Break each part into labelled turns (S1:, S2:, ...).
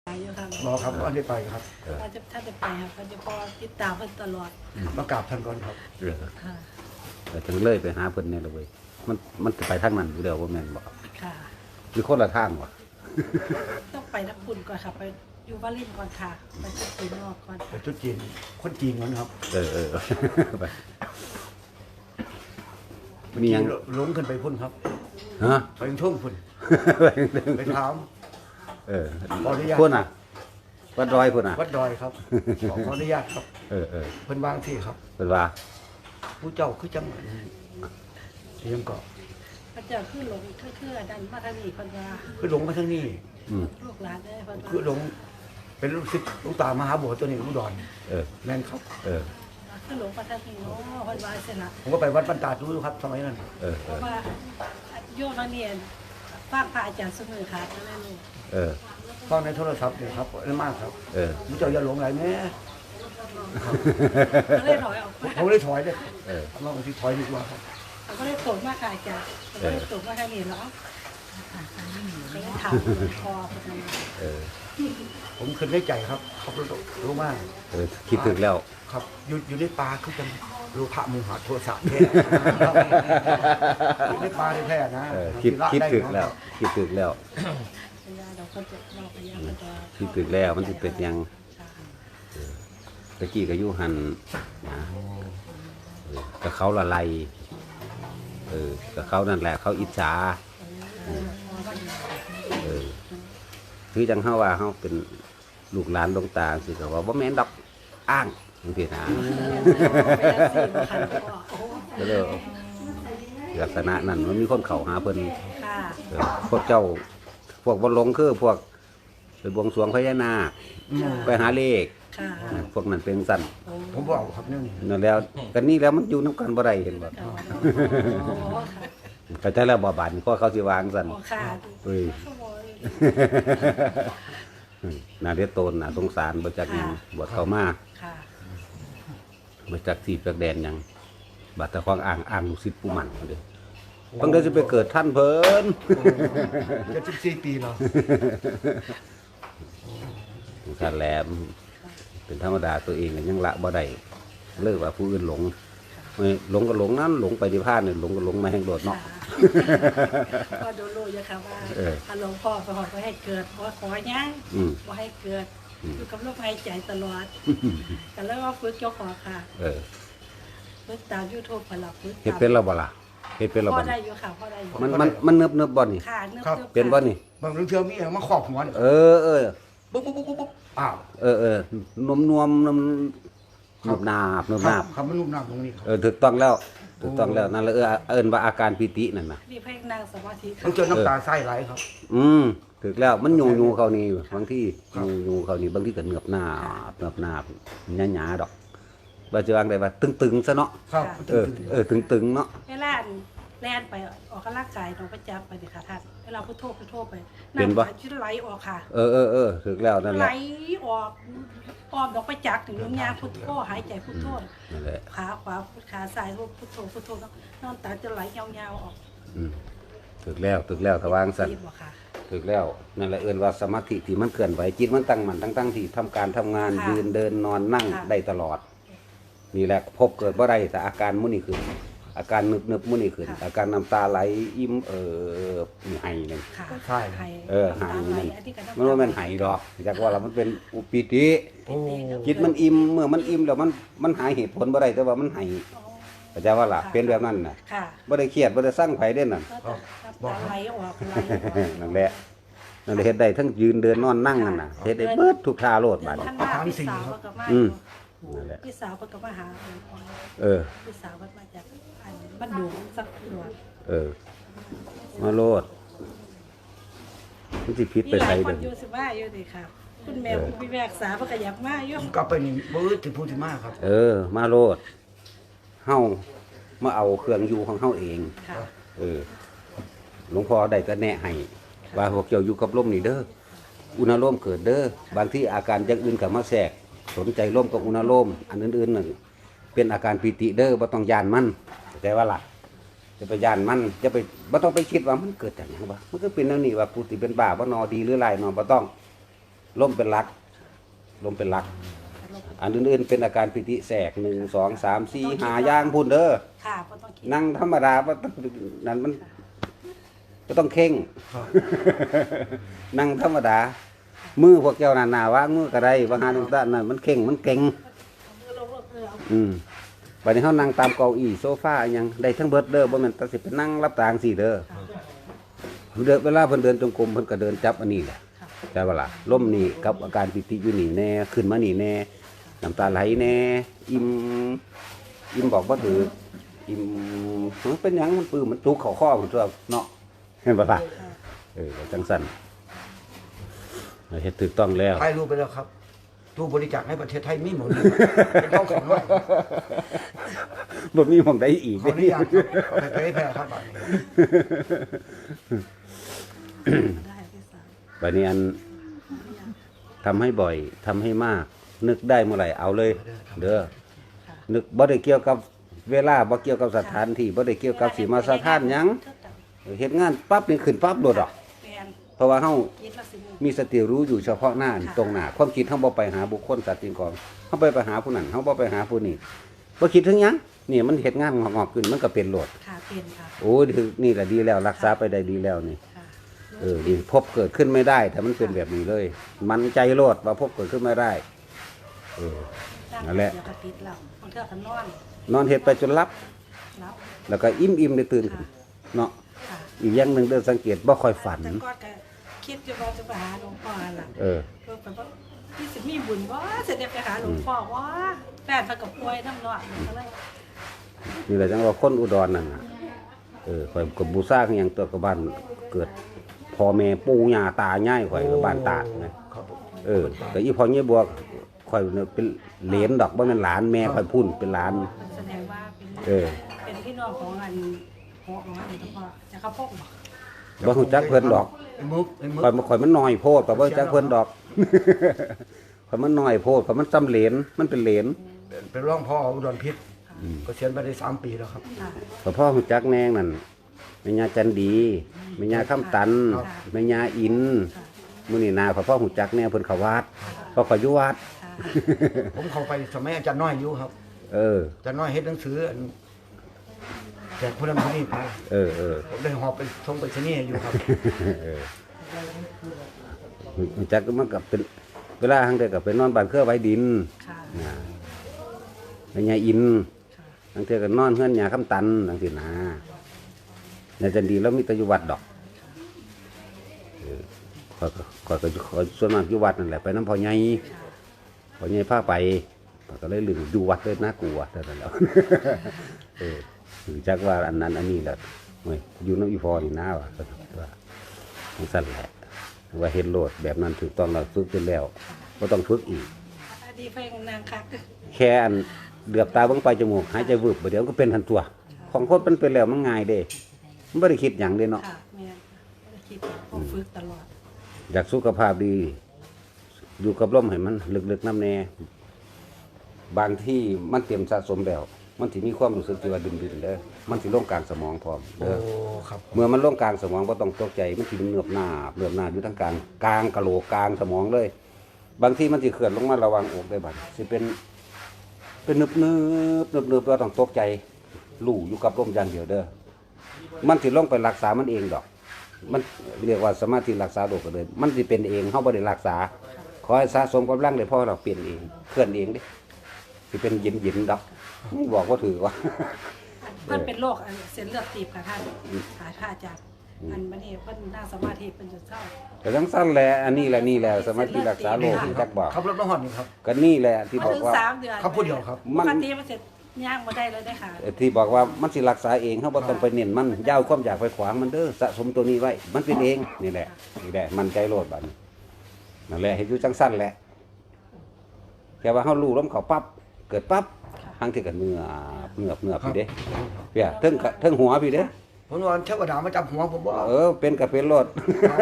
S1: ไปอยู่ครับ
S2: รอครับว่าได้ไปครับ
S1: ว่าจะถ้าจะไปครับเขาจะพอติดตามเพิ่นตลอด
S2: มากราบท่านก่อนครับ
S1: ค่ะ
S3: แต่ถึงเลยไปหาเพิ่นเนี่ยเลยเว้ยมันจะไปทางนั้นอยู่แล้วว่าแม่นบ่
S1: ค่ะ
S3: หรือคนละทางวะ
S1: ต้องไปนักบุญก่อนค่ะไปอยู่วารินก่อนค่ะไปจุดจีนนอกก่อน
S2: ไปจุดจีนคนจีนก่อนครับ
S3: ไปมียัง
S2: ลงขึ้นไปพุ่นครับ
S3: ฮะ
S2: ไปยังช่วงพุ่นไปถาม
S3: พุ่นอ่ะวัดดอยพุ่นอ่ะ
S2: วัดดอยครับขออนุญาตครับเพิ่นวางที่ครับ
S3: เพิ่นว่า
S2: ผู้เจ้าคือจังเรียมก็
S1: พระเจ้าคือหลงคือดันมาทางนี้เพิ่นว่า
S2: คือหลงมาทางนี้
S1: ลูกหลานได้เพิ่น
S2: คือหลงเป็นลูกศิษย์หลวงตามหาบัวตัวนี้อุดรแม่นครับ
S1: คือหลงมาทางนี้เนาะเพิ่นว่าสิล่ะ
S2: ผมก็ไปวัดบรรดาดูครับสมัยนั้น
S1: เพราะว่าโยมนักเรียนฟังพระอาจารย์เสมอค่ะนั่นนี่
S2: ฟังในโทรศัพท์นี่ครับนั่นมากครับผู้เจ้าอย่าหลงไหลแม่
S1: ก็เลยถอยออก
S2: ผมเลยถอยเลยว่าบางทีถอยดีกว่าครับ
S1: ก็เลยตกมาค่ะอาจารย์ก็เลยตกมาทางนี้เนาะไม่ถามคอ
S2: ผมขึ้นได้ใจครับขับรถรู้มาก
S3: คิดถึงแล้ว
S2: ครับอยู่ในป่าคือจะรู้พระมือหาโทรศัพท์แท้อยู่ในป่าแท้นะ
S3: คิดถึงแล้วคิดถึงแล้วคิดถึงแล้วมันจะเป็นยังตะกี้ก็อยู่หันนะกับเขาละไลกับเขานั่นแหละเขาอิจฉาคือจังเขาว่าเขาเป็นลูกหลานดวงตาสิเขาว่าแม่นดอกอ้างบางทีนะก็เลยลักษณะนั้นมันมีคนเข่าหาเพิ่นพวกเจ้าพวกบอลลงคือพวกไปบวงสรวงพญานาคไปหาเลขพวกนั้นเป็นสั่น
S2: ผมบอกครับ
S3: นั่นแล้วกันนี่แล้วมันอยู่น้ำกันบ่ได้เห็นบ่ก็จะแล้วบ่บานก็เขาสิวางสั่นน่าเรียกตนน่ะสงสารบ่จักหยังบวชเข้ามาบ่จักที่จักแดนหยังบัดตะควางอ่างลูกศิษย์ผู้มั่นเด้อเพิ่งได้สิไปเกิดท่านเพิ่น
S2: 74 ปีแล้ว
S3: ท่านแหลมเป็นธรรมดาตัวเองยังละบ่ได้เลิกว่าผู้อื่นหลงหลงก็หลงนั้นหลงไปที่พลาดเนี่ยหลงก็หลงมาแห่งโดดเนาะ
S1: ก็ดูรู้อยู่ค่ะว่าหลวงพ่อขอให้เกิดขอยังขอให้เกิดอยู่กับลมหายใจตลอดแต่แล้วว่าฝึกเจ้าของค่ะฝึกตาม YouTube พลับฝึก
S3: เฮ็ดเป็นแล้วบ่ล่ะเฮ็ดเป็นแล้วบ่
S1: พอได้อยู่ค่ะพอได้อยู่
S3: มันเนิบบ่นี่
S1: ค่ะเนิบ
S3: เป็นบ่นี่
S2: บางเรื่องเชื่อมีมาขอบหัวนี่ปุ๊บอ้าว
S3: นวมนุบนาบ
S2: ครับมันนุบนาบตรงนี้
S3: ถูกต้องแล้วนั่นแหละเอิ้นว่าอาการปิตินั่นน่ะ
S1: นี่เพ่งนั่งสมาธิ
S2: ต้องเจอน้ำตาใส่ไหลครับ
S3: ถูกแล้วมันยูเขานี่บางที่ยูเขานี่บางที่ก็เนือบหน้าหยาๆดอกว่าจะวางได้ว่าตึงๆซะเนาะ
S2: ครับ
S3: ตึงๆเนาะ
S1: เวลาแล่นไปออกกำลังกายต้องไปจับไปดิค่ะท่านเวลาพุทโธไป
S3: เป็นบ่
S1: ชื่อไหลออกค่ะ
S3: ถูกแล้วนั่นแหละ
S1: ไหลออกออมดอกไปจักถึงยางพุทโธหายใจพุทโธ
S3: นั่นแหละ
S1: ขาขวาขาซ้ายพุทโธนอนตาจะไหลยาวๆออก
S3: ถูกแล้วทวางสั่นถูกแล้วนั่นแหละเอิ้นว่าสมาธิที่มันเคลื่อนไหวจิตมันตั้งมั่นตั้งที่ทำการทำงานยืนเดินนอนนั่งได้ตลอดนี่แหละพบเกิดบ่ได้แต่อาการมื้อนี้คืออาการนึบมื้อนี้ขึ้นอาการน้ำตาไหลอิ่มมีไห้นึง
S2: ใช่
S3: ไห้นึงมันว่ามันไห้ดอกจากว่าแล้วมันเป็นอุปิติจิตมันอิ่มเมื่อมันอิ่มแล้วมันหายเหตุผลบ่ได้แต่ว่ามันไห้เข้าใจว่าล่ะเป็นแบบนั้นน่ะบ่ได้เครียดบ่ได้สั่งไผเด้นั่น
S1: ไหลออก
S3: นั่นแหละเฮ็ดได้ทั้งยืนเดินนอนนั่งนั่นน่ะเฮ็ดได้เบิดทุกท่าโลดบัด
S1: พี่สาวก็มาพี่สาวก็มาหาพี่สาวก็มาจากบ้านดุงสักหน่วย
S3: มาโลดมันสิผิดไปไสเด้อ
S1: อยู่สิว่าอยู่ดิค่ะคุณแม่คุณพี่แม่สาวก็อยากมาอยู่
S2: กลับไปนี่บ่สิพูดสิมาครับ
S3: มาโลดเฮามาเอาเครื่องอยู่ของเฮาเองหลวงพ่อได้ก็แนะให้ว่าพวกเจ้าอยู่กับลมนี่เด้ออุณหภูมิเกิดเด้อบางที่อาการอย่างอื่นก็มาแทรกสนใจลมกับอุณหภูมิอันอื่นๆนั่นเป็นอาการปิติเด้อบ่ต้องย่านมันแต่ว่าล่ะจะไปย่านมันจะไปบ่ต้องไปคิดว่ามันเกิดจากหยังบ่มันก็เป็นแนวนี้ว่ากูสิเป็นบ้าบ่นอดีหรือไรนอบ่ต้องลมเป็นหลักลมเป็นหลัก อันอื่นๆเป็นอาการปิติแสก1 2 3 4 5อย่างพุ่นเด้อ
S1: ค่ะบ่ต้องคิด
S3: นั่งธรรมดาบ่ต้องนั่นมันก็ต้องเข่ง นั่งธรรมดา มือพวกแก้วหนาๆว่างมือก็ได้บางหาตรงด้านนั้นมันเข่งมันเก่ง
S1: มือลงเอา
S3: บัดนี้เฮานั่งตามเก้าอี้โซฟาอิหยังได้ทั้งเบิดเด้อบ่แม่นตัดสิไปนั่งรับตาจังซี่เด้อเดินเวลาเพิ่นเดินจงกรมเพิ่นก็เดินจับอันนี้แหละใช่บ่ล่ะลมนี่กับอาการปิติอยู่นี่แน่ขึ้นมานี่แน่น้ำตาไหลแน่อิ่มบอกบ่ถูกอิ่มมันเป็นหยังมันปื้มมันจุกเข้าคอพุ่นตัวเนาะเห็นบ่ล่ะก็จังซั่นเฮ็ดถูกต้องแล้ว
S2: ถ่ายรูปไปแล้วครับตู้บริจาคให้ประเทศไทยมีหมดเลยเป็นเจ้าของด้วย
S3: บ่มีหม่องใดอีก
S2: ขออนุญาตครับไปแพร่ครับบัดนี้
S1: ได้ที่สาม
S3: บัดนี้อันทำให้บ่อยทำให้มาก นึกได้เมื่อไหร่เอาเลย เด้อนึกบ่ได้เกี่ยวกับเวลาบ่เกี่ยวกับสถานที่บ่ได้เกี่ยวกับสิมาสถานหยังเฮ็ดงานปั๊บนี่ขึ้นปั๊บโดดดอก
S1: แม่น
S3: เพราะว่าเฮา
S1: คิดว่าสิมือ
S3: มีสติรู้อยู่เฉพาะหน้าตรงหน้าความคิดเฮาบ่ไปหาบุคคลสัตว์สิ่งของเฮาไปหาผู้นั้นเฮาบ่ไปหาผู้นี้บ่คิดถึงหยังนี่มันเฮ็ดงานงอกๆขึ้นมันก็เป็นโลด
S1: ค่ะเป็นค่ะ
S3: โอ้นี่แหละดีแล้วรักษาไปได้ดีแล้วนี่
S1: ค่ะ
S3: นี่พบเกิดขึ้นไม่ได้แต่มันเป็นแบบนี้เลย มันใจโลดว่าพบเกิดขึ้นไม่ได้นั่นแหละ
S1: เดี๋ยวก็ติดแล้วบางเทื่อก็นอน
S3: นอนเฮ็ดไปจนหลับ
S1: รับ
S3: แล้วก็อิ่มได้ตื่นขึ้นเนาะ
S1: ค่ะ
S3: อีกอย่างหนึ่งเดินสังเกตบ่ค่อยฝัน
S1: แต่ก่อนก็คิดอยู่ว่าจะไปหาหลวงพ่อล่ะ
S3: เออ
S1: ก็แบบว่าที่สิมีบุญว่าเสร็จไปหาหลวงพ่อว่าแฟนไปกับป่วยน้ำเนาะก็เลย
S3: นี่แหละจังว่าคนอุดรนั่นน่ะข่อยก็บูชาคือหยังตัวกับบ้านเกิดพ่อแม่ปู่ย่าตายายข่อยก็บ้านตาดนะครับ
S2: ผม
S3: แต่อีพ่อเนี่ยบวกข่อยเนี่ยเป็นเหลนดอกบ่แม่นหลานแม่ข่อยพุ่นเป็นหลาน
S1: แสดงว่าเป็น เป็นพี่น้องของอันของอันหลวงพ่อจะเข้าพกบ่
S3: บ่ฮู้จักเพิ่นดอก
S2: ไอ้มึกไอ้มึก
S3: ข่อยมันน้อยโพดก็บ่รู้จักเพิ่นดอก ข่อยมันน้อยโพดข่อยมันซ้ำเหลนมันเป็นเหลน
S2: เป็นร่องพ่ออุดรพิษก็เสียณไปได้3 ปีแล้วครับ
S1: ค่ะ
S3: ก็พ่อฮู้จักแนงนั่นแม่ย่าจันดีแม่ย่าคำตัน
S2: ครับ
S3: แม่ย่าอิน
S1: ค่ะ
S3: มื้อนี้นาพ่อฮู้จักแน่เพิ่นเข้าวัดพ่อข่อยอยู่วัด
S1: ค่ะ
S2: ผมเข้าไปสมัยอาจารย์น้อยอยู่ครับ
S3: เออ
S2: อาจารย์น้อยเฮ็ดหนังสืออันแจกผู้นั้นผู้นี้ไป
S3: เออ
S2: ผมได้หอบไปส่งไปที่นี่อยู่ครับ
S3: ฮู้จักมันก็เป็นเวลาหังเด็กก็ไปนอนบ้านเครือไว้ดิน
S1: ค่ะ
S3: นะแม่ย่าอิน
S1: ค่ะ
S3: บางเทื่อก็นอนเฮือนย่าคำตันจังซี่นะย่าจันดีแล้วมีแต่อยู่วัดดอกก็ส่วนมากอยู่วัดนั่นแหละไปน้ำพ่อใหญ่พ่อใหญ่พาไปก็เลยลืมอยู่วัดเลยน่ากลัวเท่านั้นแล้ว รู้จักว่าอันนั้นอันนี้แหละเว้ยอยู่น้ำอีพอนี่นะว่าจังซั่นแหละว่าเฮ็ดโลดแบบนั้นถูกต้องแล้วฝึกจนแล้วบ่ต้องฝึกอีก
S1: อดีเพลงนางคัก
S3: แค่อันเดือบตาเบิ่งไปลายจมูกหายใจวืบเดี๋ยวก็เป็นทันตัว ของคนมันเป็นแล้วมันง่ายเด้มันบ่ได้คิดหยังเด้เนาะ
S1: ค่ะแม่ไม่ได้คิดพอฝึกตลอด
S3: อยากสุขภาพดี อยู่กับลมให้มันลึกๆน้ำแน่บางที่มันเตรียมสะสมแล้วมันสิมีความรู้สึกที่ว่าดึงๆเด้อมันสิลงกลางสมองพร้อม
S2: โอ้
S3: เด้อ
S2: ครับ
S3: เมื่อมันลงกลางสมองบ่ต้องตกใจมันสิเนือบหน้าอยู่ทั้งกลางกะโหลกกลางสมองเลย บางทีมันสิเคลื่อนลงมาระหวังอกได้บัดสิเป็นนึบๆเราต้องตกใจลู่อยู่กับลมอย่างเดียวเด้อมันสิลงไปรักษามันเองดอก มันเรียกว่าสมาธิรักษาโรคก็เลยมันสิเป็นเองเฮาบ่ได้รักษา ขอให้สะสมกำลังได้พอเราเปลี่ยนเองเคลื่อนเองเด้สิเป็นเย็นๆดอกนี่บอกว่าถือว่า
S1: เพิ่นเป็นโรคเส้นเลือดตีบค่ะท่านหาท่าจากอันบัดนี้เพิ่นนั่งสมาธิเพิ่นจะเศร้า
S3: แต่ทั้งสั้นแหละอันนี้แหละนี่แหละสมาธิรักษาโรคที่จักบอก
S2: ขับรถมาหอดนี่ครับ
S3: ก็นี่แหละที่บอก
S1: ถึง
S3: ว่า
S1: 3 เดือน
S2: ครับผู้เดียวครับ
S1: ปกติมันเสร็จย่างบ่ได้เลยได้ค่ะ
S3: ที่บอกว่ามันสิรักษาเองเฮาบ่ต้องไปเน้นมันย่าวความอยากไปขวางมันเด้อสะสมตัวนี้ไว้ มันเป็นเองนี่แหละมันใจโลดบัดนี้นั่นแหละเฮ็ดอยู่จังสั้นแหละแค่ว่าเฮารู้ลมเข้าปั๊บเกิดปั๊บทางที่ก็เนื้อพี่เด้เปียเทิงหัวพี่เด้
S2: ผมว่าเทวดามาจับหัวผมว่า
S3: เป็นก็เป็นโลด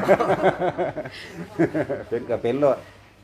S3: เป็นก็เป็นโลด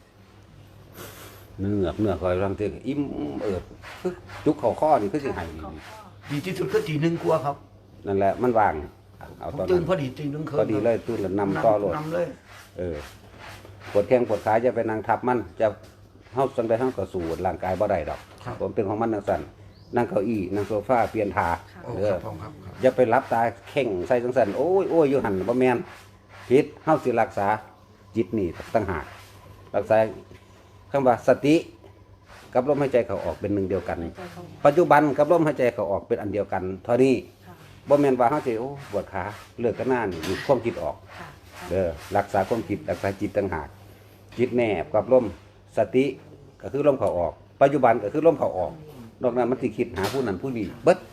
S3: เนื้อคอยรังเทื่อก็อิ่มจุกเข้าคอนี่คือสิให้
S2: ดีที่สุดก็ตีหนึ่งกลัวครับ
S3: นั่นแหละมันว่างเอา
S2: ผม
S3: ตอน
S2: ตื่
S3: นั้น น
S2: พอดีตีหนึ่งคืน
S3: พอดีเลยตื่นแล้วนำต่อโลด
S2: นำเลย
S3: เออปวดแข้งปวดขาจะไปนั่งทับมันจะเฮาจังได๋เฮาก็สู้ร่างกายบ่ได้ดอกผมเป็นของมันจังซั่นนั่งเก้าอี้นั่งโซฟาเปลี่ยนท่า
S2: โอ้
S3: เด้
S2: ค
S3: อ
S2: รับผมครับ
S3: อย่าไปรับตาเข่งใส่จังซั่นโอ้ยโอ้ยอยู่หั่นบ่แม่นผิดเฮาสิรักษาจิตนี่ต่างหากรักษาคำว่าสติกับลมหายใจเข้าออกเป็นหนึ่งเดียวกัน ปัจจุบันกับลมหายใจเข้าออกเป็นอันเดียวกันเท่านี้บ่แม่นว่าเฮาสิโอ้ปวดขาเลิกกันหน้านี่หยุดความคิดออกเด้อรักษาความคิดรักษาจิตต่างหากจิตแนบกับลมสติก็คือลมเข้าออก ปัจจุบันก็คือลมเข้าออกนอกนั้นมันสิคิดหาผู้นั้นผู้นี้เบิด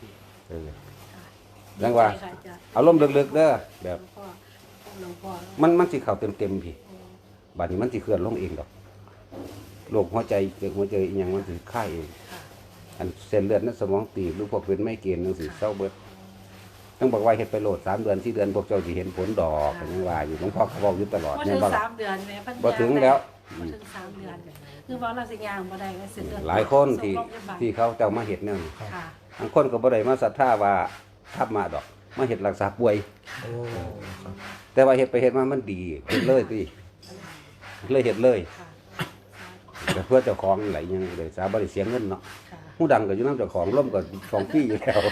S3: จังว่าเอาลมลึกๆเด้อแบบมันสิเข้าเต็มๆพี่บัดนี้มันสิเคลื่อนลงเองดอกโรคหัวใจเกิดหัวใจอีหยังมันสิคายเองอันเส้นเลือดในสมองตีบหรือพวกเป็นไมเกรนจังซี่เซาเบิดต้องบอกว่าเฮ็ดไปโหลด3 เดือน4 เดือนพวกเจ้าสิเห็นผลดอกก็ยังว่าอยู่หลวงพ่อเขาบอกอยู่ตลอด
S1: บ่
S3: แม่
S1: ถึ
S3: น
S1: ง
S3: บ่ล่ะ
S1: 3 เดือนแม่เพิ่น
S3: บ่ถึงแล้ว
S1: บ่ถึง3 เดือนคือว่าเราสิย่างบ่ได้ก็เส้นเลือด
S3: หลายคนที่
S1: ส่งโรงพยาบาล
S3: ที่เขาเจ้ามาเฮ็ดแนวนี้
S1: ค่ะ
S3: บางคนก็บ่ได้มาศรัทธาว่าทับมาดอกมาเฮ็ดรักษาป่วย
S2: โอ้ครับ
S3: แต่ว่าเฮ็ดไปเฮ็ดมามันดีเฮ็ดเลยติเลยเฮ็ดเลย
S1: ค่ะ
S3: แต่เพื่อเจ้าของนี่แหละยังเลยสาบ่ได้เสียเงินเนาะ
S1: ค่ะ
S3: ผู้ดังก็อยู่นำเจ้าของร่มก็ของพี่อยู่แล้ว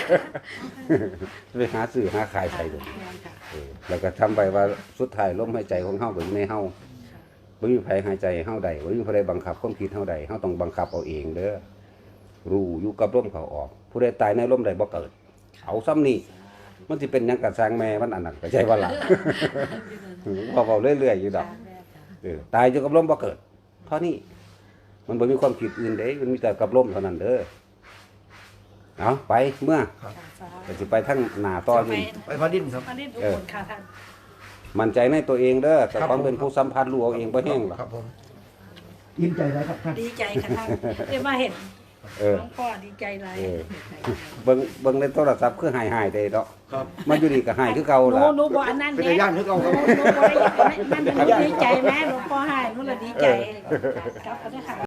S3: ไปหาซื้อหาขายไปเลย
S1: แม่นค่ะ
S3: แล้วก็ทำไปว่าสุดท้ายลมหายใจของเฮาก็อยู่ในเฮาบ่มีไผหายใจให้เฮาได้บ่มีผู้ใดบังคับความคิดเฮาได้เฮาต้องบังคับเอาเองเด้อรู้อยู่กับลมเข้าออก ผู้ใดตายในลมใดบ่เกิดเอาซ้ำนี่มันสิเป็นหยังกะสร้างแม่มันอันนั้นก็ใช่ว่าล่ะ พอเว้าเรื่อยๆอยู่ดอก
S1: แม่นค่ะ
S3: ตายอยู่กับลมบ่เกิดเท่านี้มันบ่มีความคิดอื่นเด้มันมีแต่กับลมเท่านั้นเด้อเอาไปเมื่อ
S1: ค่ะสา
S3: ก็สิไปทางหน้าต่ออยู่
S2: ไปพระดินครับ
S1: อันนี้ทุกคนค่ะท่าน
S3: มั่นใจในตัวเองเด้อแต่
S2: ครับ
S3: ความเป็น
S2: ผม
S3: ผู้สัมผัสรู้เอาเองบ่แห้งหรอก
S2: ครับผมยินใจไรครับท่าน
S1: ดีใจค่ะท่านได้มาเห็น
S3: เออ
S1: น้องพ่อดีใจหลาย
S3: เออ เบิ่งในโทรศัพท์คือหายๆได้เนาะ
S2: ครับ
S3: มาอยู่นี่ก็หายคือเก่า
S1: หนู
S3: ล่ะ
S1: หนูบ่อันนั้น
S2: เป็น
S1: แน่
S2: ญาตินึกเอาครับ
S1: หนูบ่ได้นั่นหนูดีใจแม่หลวงพ่อให้หนูละดีใจครับก็ได้ค่ะ